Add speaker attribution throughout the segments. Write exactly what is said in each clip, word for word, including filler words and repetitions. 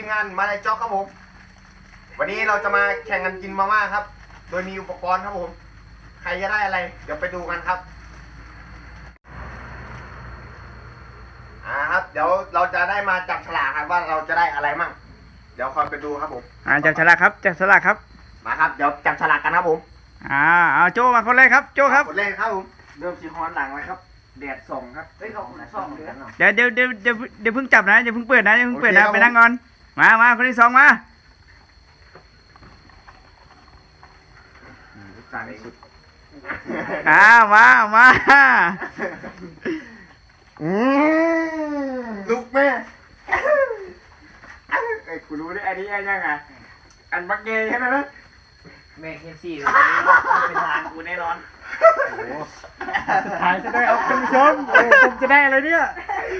Speaker 1: งานมาในจ็อกครับผมวันนี้เราจะมาแข่งกันกินมาม่าครับโดยมีอุปกรณ์ครับผมใครจะได้อะไรเดี๋ยวไปดูกันครับอ่าครับเดี๋ยวเราจะได้มาจับฉลากครับว่าเราจะได้อะไรมั่งเดี๋ยวคอยไปดูครับผม
Speaker 2: อ่าจับฉลากครับจับฉลากครับ
Speaker 1: มาครับเดี๋ยวจับฉลากกันครับผม
Speaker 2: อ่าเอาโจมาคนแรกครับโจครับ
Speaker 1: คนแรกครับผม
Speaker 3: เริ่มสีฮอนหลังเลยครับแดดส่องครับเฮ้ยเขาส่องเลย
Speaker 2: เดี๋ยวเดี๋ยวเดี๋ยวเดี๋ยวเดี๋ยวเพิ่งจับนะเดี๋ยวเพิ่งเปิดนะเดี๋ยวเพิ่งเปิดนะไปนั่งก่อนมามาคนที่สองมา
Speaker 1: การเองสุด
Speaker 2: อ่ามามา
Speaker 1: อืมลุกแม่ไอ้กูรู้ได้อันนี้ยังไงอันบักเกย์ใช่ไหมนะ
Speaker 3: แม่เคนซี่เลยเป็นทางกูแน่นอน
Speaker 2: สุดท้ายจะได้เอาคุณผู้ชมผมจะได้อะไรเนี่ย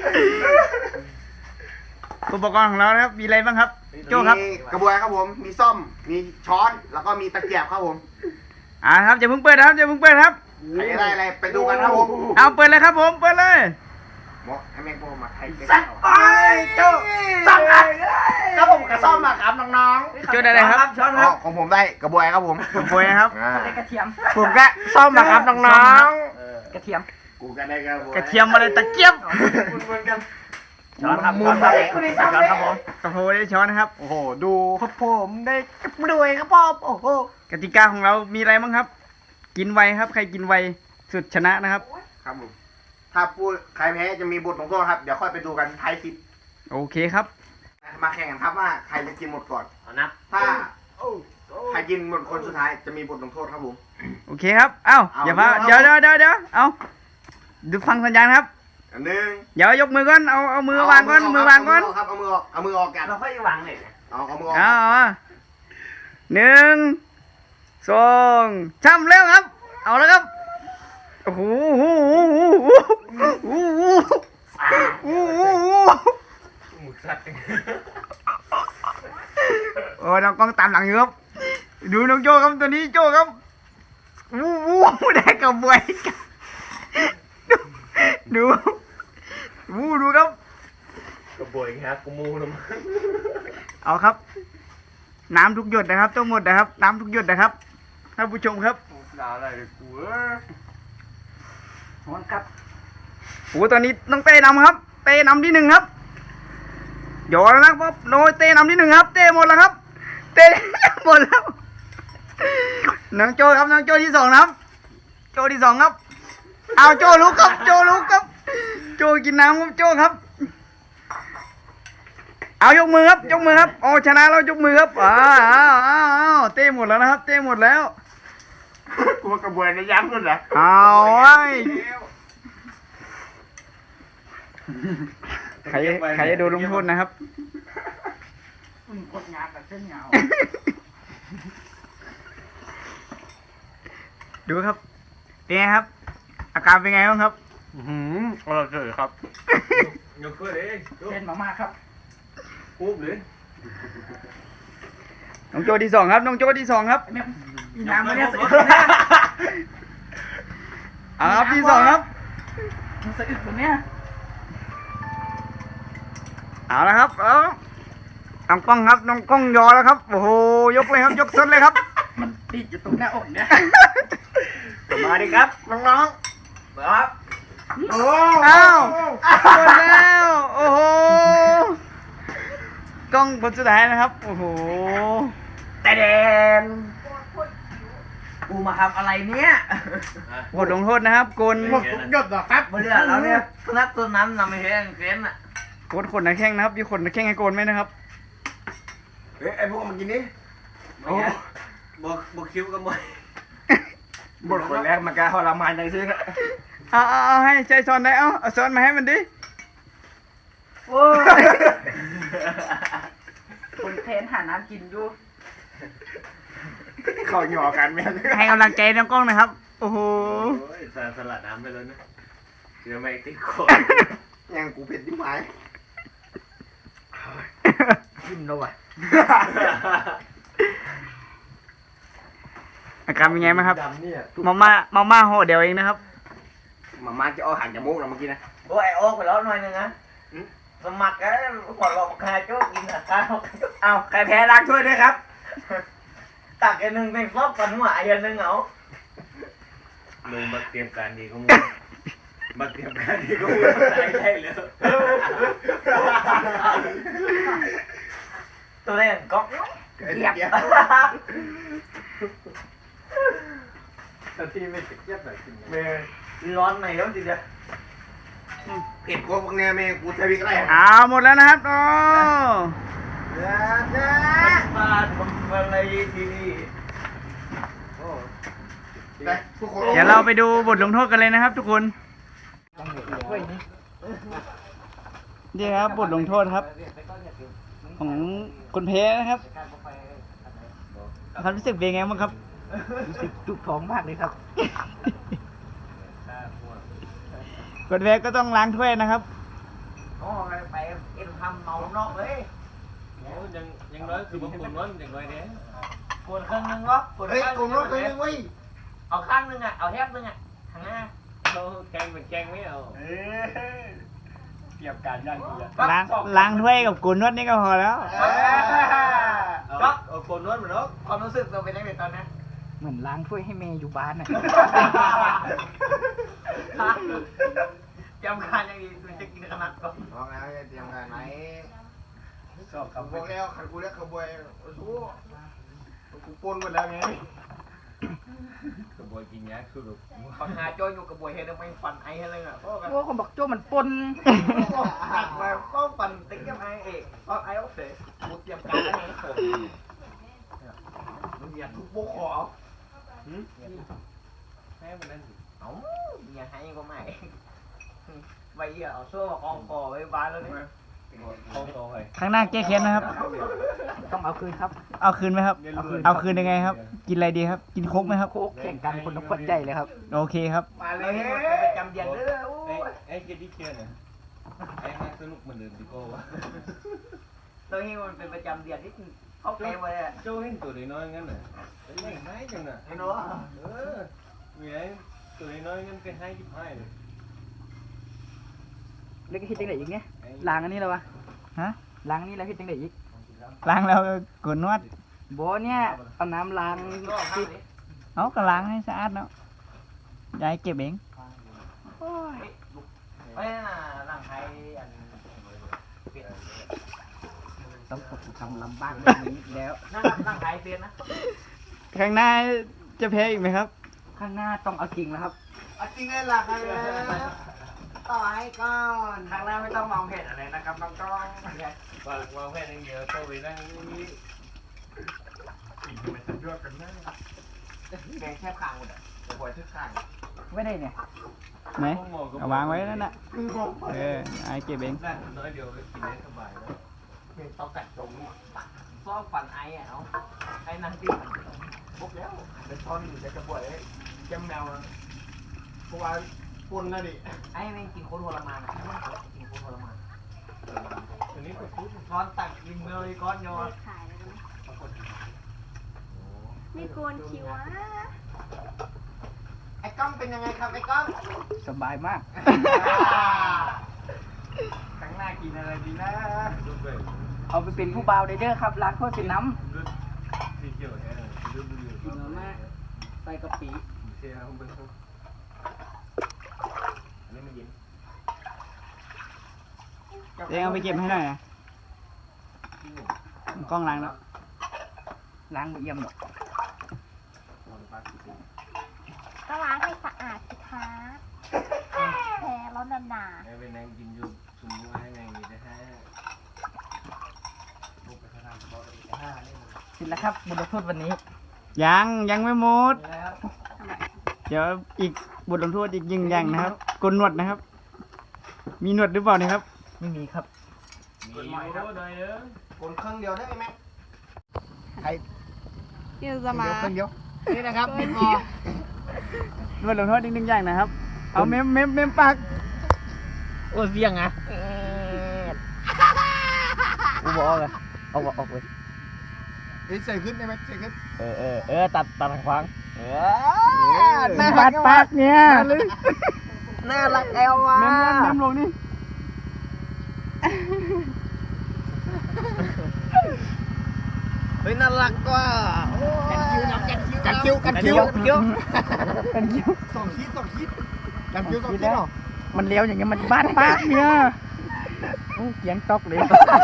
Speaker 2: อุปกรณ์ของเราครับมีอะไรบ้างครับโจครับ
Speaker 1: มีกระบวยครับผมมีส้อมมีช้อนแล้วก็มีตะเกียบครับผม
Speaker 2: อ่าครับอย่าเพิ่งเปิดครับอย่าเพิ่งเปิดครับ
Speaker 1: ใครได้อะไรไปดูกันครับผม
Speaker 2: เอาเปิดเลยครับผมเปิดเลย
Speaker 1: หมอให้แมงโปมาไทยสักไปโจสักอันครับผมกระซ่อมมาครับน้อง
Speaker 2: ๆโจได้อะไรครับ
Speaker 1: ช้อนครับของผมได้กระบวยครับผม
Speaker 2: กระบวยครับ
Speaker 3: ได้กระเทียม
Speaker 1: ผมก็ซ่อมมาครับน้อง
Speaker 3: ๆกระเทียม
Speaker 1: กูก็ได้กระบวย
Speaker 2: กระเทียมอะไรตะเกียบ
Speaker 1: เหมือนกัน
Speaker 3: ช้อนครับช้อนครับช้อนครับผม
Speaker 2: กระโหได้ช้อนนะครับ
Speaker 1: โอ้โหดูครับผมได้กระบวยครับผมโอ้โห
Speaker 2: กติกาของเรามีอะไรบ้างครับกินไวครับใครกินไวสุดชนะนะครับ
Speaker 1: ครับผมถ้าพูดใครแพ้จะมีบทลงโทษครับเดี๋ยวค่อยไปดูกันท้ายคลิป
Speaker 2: โอเคครับ
Speaker 1: มาแข่งกันครับว่าใครจะกินหมดก่อน
Speaker 3: นับ
Speaker 1: ถ้าใครกินหมดคนสุดท้ายจะมีบทลงโทษครับผม
Speaker 2: โอเคครับเอ้าอย่าพาเดี๋ยวเดี๋ยวเดี๋ยวเดี๋ยวเอาดูฟังสัญญาณครับ
Speaker 1: หนึ่ง
Speaker 2: เดี๋ยวยกมือก่อนเอาเอามือวางก่อนมือวางก่อน
Speaker 1: ครับเอามือออกเอามือออกกัน
Speaker 3: เราค่อยวางเลย
Speaker 1: เอาเอามือออก
Speaker 2: เอาหนึ่งสองช่ำเร็วครับเอาแล้วครับโอ้โหโอ้โหโอ้โหโอ้โห
Speaker 3: หมูสัตว์
Speaker 2: โอ้น้องกล้องตามหลังอยู่ครับดูน้องโจครับตัวนี้โจครับวู้วู้ได้กับบวยดูวู้ดูครับ
Speaker 3: กระบวยครับกูมูนะ
Speaker 2: เอาครับน้ำทุกหยดนะครับต้องหมดนะครับน้ำทุกหยดนะครับท่านผู้ชมครับ
Speaker 1: ด่าอะไรกูเออ
Speaker 3: ฮอนครับ
Speaker 2: โอ้ตอนนี้น้องเต้นำครับเต้นำที่หนึ่งครับหยอดแล้วนะครับโน้ยเต้นำที่หนึ่งครับเต้หมดแล้วครับเต้หมดแล้วน้องโจครับน้องโจที่สองครับโจที่สองครับเอาโจลุกครับโจลุกครับโจกินน้ำครับโจครับเอายกมือครับยกมือครับโอ้ชนะแล้วยกมือครับอ้าวอ้าวอ้าวเต้หมดแล้วนะครับเต้หมดแล้ว
Speaker 1: กูกระบวยในย้ำนู่นเหรอ
Speaker 2: เอาไว้ใครใครจะโดนลงโทษนะครับ
Speaker 3: กดงานแบบเส้นเงา
Speaker 2: ดูครับเป็นไงครับอาการเป็นไงบ้างครับ
Speaker 1: หืมอร่อยเลยครับ
Speaker 3: ยกขึ้นเลยเส้นมากๆครับ
Speaker 1: ปุ๊บเลย
Speaker 2: น้องโจที่สองครับน้องโจที่สองครับ
Speaker 3: น้ำมาเนี่ยสิ
Speaker 2: เอาครับที่สองครับ
Speaker 3: มันสะอึกตรงเนี้ย
Speaker 2: เอาละครับเอาน้องกล้องครับน้องกล้องยอแล้วครับโอ้โหยกเลยครับยกสุดเลยครับ
Speaker 3: มันติดอยู่ตรงหน้าอกเนี่ย
Speaker 1: มาดิครับน้องๆครับ
Speaker 2: โอ้อ้าวหมดแล้วโอ้โหกล้องคนสุดท้ายนะครับโอ้โห
Speaker 3: แต่เดนกูมาทำอะไรเนี่ย
Speaker 2: บทลงโทษนะครับกล
Speaker 1: หมดทุกหยดหรอครับ
Speaker 3: เรื่องแล้วเนี่ยนักตัวนั้นนำไปเห็นเฟ้นอ่ะ
Speaker 2: โคตรขนหน้าแข้งนะครับมีขนหน้าแข้งให้โกนไหมนะครับ
Speaker 1: เฮ้ยไอพวกมันกินนี่
Speaker 3: โอ้บวกบวกคิ้วกันบ่อย
Speaker 1: บทคนแรกมันก็ทรมานใจซื้อครับ
Speaker 2: เอาเอาเอาให้ใจซ้อนได้เอาเอาซ้อนมาให้มันดิ
Speaker 3: โอ้คนเทนหาน้ำกินอยู่
Speaker 1: เขาหยอกกันแม่
Speaker 2: ให้กำลังใจน้องกล้องนะครับโอ้โห
Speaker 3: สลัดสลัดน้ำไปเลยนะเดี๋ยวไม่ติดคอ
Speaker 1: ยังกูเผ็ดที่หมาย
Speaker 3: ยิ้มแล้วว่ะ
Speaker 2: อาการเป็นไงบ้างครับมาม่ามาม่าห่อเดียวเองนะครับ
Speaker 1: มาม่าจะเอาหันจมูกเราเมื่อกี้นะ
Speaker 3: โอ้ยโอ๊กไปแล้วหน่อยนึงนะสมัครกันหัวเราะคาโจ๊กกินอ่ะข้าวเอาใครแพ้ล้างถ้วยด้วยครับตักอันหนึ่งเป็นรอบกันหัวอันหนึ่งเอา
Speaker 4: เลยมาเตรียมการดีก็มึงมาเตรียมการดีก็มึงได้ได้เลย
Speaker 3: ตัวเล่นก็เกียบ
Speaker 4: แต่ที่ไม่ติดเย็บหน่อยกิน
Speaker 3: เมร้อนไหนแล้วจริงๆ
Speaker 1: เผ็ดกว่าพวกเนี้ยแม่กูใช้พริกอะไร
Speaker 2: อ้าวหมดแล้วนะครับโอ้
Speaker 3: บ้านมึงอะไรที่นี่
Speaker 1: ไปทุกคน
Speaker 2: เดี๋ยวเราไปดูบทลงโทษกันเลยนะครับ ทุกคนนี่ครับบทลงโทษครับ ของคนแพ้นะครับความรู้สึกเป็นไงบ้างครับ
Speaker 3: รู้สึกจุกท้องมากเลยครับ
Speaker 2: คนแพ้ก็ต้องล้างถ้วยนะครับ
Speaker 3: โอ้ไปเอ็นทำเมานอกเลย
Speaker 4: โอ้ยังยังน้อยคือบางคนน้อยอย่างน้อยเนี้ย
Speaker 3: ปวดข้างนึงวะปวด
Speaker 1: เฮ้ย
Speaker 3: ข้าง
Speaker 1: กลุ่มรถเลยเว้ย
Speaker 3: เอาข้างนึงอ่ะ เอาแทบนึงอ่ะข้างหน้า
Speaker 4: เขาแกงเป็นแกงไม่เอาเตรียมการย่างกูอ่ะ
Speaker 2: ล้างล้างถ้วยกับกุนนวดนี่ก็พอแล้ว
Speaker 3: ก็เอาคนนวดเหมือนนกความรู้สึกเราเป็นยังไงตอนนี้
Speaker 2: เหมือนล้างถ้วยให้เมย์อยู่บ้านน่ะ
Speaker 3: จำการยังดีคุณจะกินขนาดก่อน
Speaker 1: บอกแล้วจะเตรียมการไหม
Speaker 4: ชอบ
Speaker 1: ขับ
Speaker 4: คำ
Speaker 1: บอกแล้วขันกูเรียกขบวยโอ้โหกูปนหมดแล้วไง
Speaker 4: กระบวยกินยาคือแบบ
Speaker 3: ปัญหาโจอยู่กับบวยเฮดไม่ฟันไอ้ให้เลยอ่ะ
Speaker 2: โอ้คนบอกโจ้มันปน
Speaker 3: หักมาก็ฟันติ๊กกับไอ้เอกเพราะไอ้โอเคกูเตรียมการแล้วไงผมมึงอย่าทุบโบขอ
Speaker 4: แม่มันนั่น
Speaker 3: เอ้าอย่าให้ก็ไม่ไว้เอาโซ่กองคอไว้บ้านแล้วนี่
Speaker 4: ท้องโตเลย
Speaker 2: ข้างหน้าแก้แค้นนะครับ
Speaker 5: ต้องเอาคืนครับ
Speaker 2: เอาคืนไหมครับ
Speaker 5: เอาคืน
Speaker 2: เอาคืนยังไงครับ กินอะไรดีครับ กินโค้กไหมครับ
Speaker 5: โคกแข่งกันคนละขวดใหญ่เลยครับ
Speaker 2: โอเคครับ
Speaker 3: มาเลยประจำเดือนเด้อ
Speaker 4: ไอ้ไอ้เกดดี้เชียร์เนี่ยไอ้มาสนุกเหมือนเดิมดิโก้วะ
Speaker 3: ตัวนี้มันเป็นประจำเดือนที่เขาเต็มเลยอ่ะ
Speaker 4: โจ้เห็นตัวน้อยงั้นน่ะเป็นไม่ไม้จังน่ะ
Speaker 3: ไอ้หนู
Speaker 4: เออมีไอ้ตัวน้อยงั้นเป็นให้ยิบให้เลย
Speaker 5: เล็กคิดจังไหนอีกเนี่ยล้างอันนี้แล้ววะ
Speaker 2: ฮะ
Speaker 5: ล้างอันนี้แล้วคิดจังไหนอีก
Speaker 2: ล้างแล้วกุนนวด
Speaker 5: โบเนี่ยเอาน้ำล้าง
Speaker 3: ก็ข้า
Speaker 5: ที่
Speaker 3: งนี้
Speaker 2: เอาก็ล้างให้สะอาดเนาะยายเก็บเอง
Speaker 3: เอ้ยร่างไทยอัน
Speaker 5: ต้องตกทำลำบากแบบนี้อีกแล้ว
Speaker 3: นั่งร่างไทยเปลี่ยนนะ
Speaker 2: ข้างหน้าจะแพ้อีกไหมครับ
Speaker 5: ข้างหน้าต้องเอาจริงแล้วครับ
Speaker 1: จริงเลยล่ะใครต่อให้ก่อน
Speaker 3: ครั้งแรกไม่ต้องมองเห็นอะไรนะครับน้องกล้อง
Speaker 4: วางวางแค่นี้เดียวโตไปนั่งนี่อีกมันจะยอดกันนะ
Speaker 3: แกงแคบคางหมดอ่ะหัวทึกคาง
Speaker 5: ไม่ได้เนี่ย
Speaker 2: ไหนเอาวางไว้นั่นน่ะเออไอ้เก็บเอง
Speaker 4: นั่นน้อยเดียวก็กินได้สบายแล้ว
Speaker 3: เป็นเตากัดจงซ่อมฟันไอ้อ่ะเอาไอ้นั่งตีมันพบแล้ว
Speaker 1: เดี๋ยวช้อนจะกระบวยแก้มแมวเพราะว่าปนนะดิ
Speaker 3: ไอ้แม่งกินโคตรทรมานอ่ะกินโคตรทรมาน
Speaker 4: ตัวนี้ก็พูด
Speaker 3: ช้อนตักกินเมลยก้อนโยน
Speaker 6: ขายแล้วนะไม่โกนคิวอ่ะ
Speaker 1: ไอ้ก้องเป็นยังไงครับไอ้ก้อง
Speaker 5: สบายมาก
Speaker 3: ครั้งหน้ากินอะไรดีนะ
Speaker 4: ดูไป
Speaker 5: เอาไปเป็นผู้บ่าวเด้อครับล้างถ้วยเป็นน้
Speaker 4: ดูสีเขียวแท้ดูดู
Speaker 5: ำกินมาม่าใส่กะปิ
Speaker 4: เชียร์เขาเป็นอันนี้มันเย็น
Speaker 2: เองเอาไปเก็บให้หน่อยนะกล้องล้างแล้ว
Speaker 5: ล้างไม่เอี่ยมหรอก
Speaker 6: ก็ล้างให้สะอาดสิคะแผลแล้วหนา
Speaker 4: ไอ้เป็นนางกินอยู่สมุนไพรนางนี่นะฮะ
Speaker 5: เสร็จแล้วครับบทลงโทษวันนี้
Speaker 2: ยังยังไม่หมด
Speaker 3: แล้ว
Speaker 2: เดี๋ยวอีกบทลงโทษอีกยิงอย่างนะครับกลหนวดนะครับ มีหนวดหรือเปล่าเนี่ยครับ
Speaker 5: ไม่มีครับ
Speaker 4: มีอยู่หน่อยเด้อ
Speaker 1: คนเครื่องเดียวได้ไหม
Speaker 6: ๆพี่จะมา
Speaker 2: เครื่องเดียว
Speaker 1: นี่นะครับ
Speaker 6: เกิน
Speaker 1: พ
Speaker 6: คิ
Speaker 1: อ
Speaker 6: ว
Speaker 2: หนวดลงโทษอีกหนึ่งอย่างนะครับ เอาเมมเมมเมมปาก
Speaker 5: โอ้เสียงอ่ะกูบอกเลยเอาออกเลย
Speaker 1: ใส่ขึ้นได้ไหมใส่ขึ้น
Speaker 5: เออเออเออตัดตัดขวางเออ
Speaker 2: หน้าปัดปากเนี่ย
Speaker 5: น่ารักแอลว่ะ
Speaker 2: เมมลงเมมลงนี่
Speaker 1: เฮ้ยน่ารักว่ะกันคิวกันคิวกันคิว
Speaker 2: กันคิว
Speaker 1: สองคิดสองคิดกันคิวสองคิดเหรอ
Speaker 2: มันเลี้ยวอย่างเงี้ยมันบ้านป้าเนี่ยโอ้เกียงตอกเลย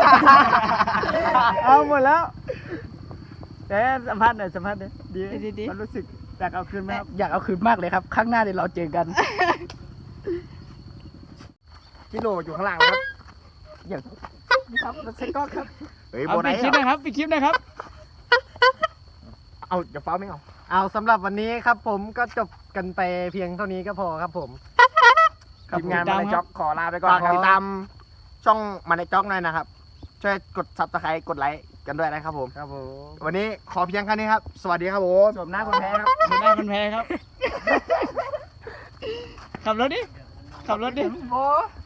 Speaker 2: เอาหมดแล้วแต่สัมภาษณ์หน่อยสัมภาษณ์หน่อยดีไหมดีมันรู้สึกอยากเอาคืนไหมครับอยากเอาคืนมากเลยครับครั้งหน้าเดี๋ยวเราเจอกัน
Speaker 1: กิโลอยู่ข้างล่างครับ
Speaker 2: อย่างครับรถเซ็กก็ครับ
Speaker 1: เฮ้ย
Speaker 2: เอา
Speaker 1: โบ
Speaker 2: ไป
Speaker 1: ได้
Speaker 2: คลิปนะครับไปคลิปนะครับ
Speaker 1: เอาเดี๋ยวฟ้าไม่เอา
Speaker 7: เอาสำหรับวันนี้ครับผมก็จบกันไปเพียงเท่านี้ก็พอครับผม
Speaker 1: ทีมงานมาในจ็อกขอลาไปก่อน
Speaker 7: ฝาก
Speaker 1: ติดตามช่องมาในจ็อกหน่อยนะครับ ช่วยกดซับสไครต์กดไลค์กันด้วยนะครับผม
Speaker 7: ครับผม
Speaker 1: วันนี้ขอเพียงแค่นี้ครับ สวัสดีครับผม
Speaker 2: สวมหน้าคนแพ้ครับสวมหน้าคนแพ้ครับ ขับรถดิ ขับรถดิ
Speaker 7: โอ้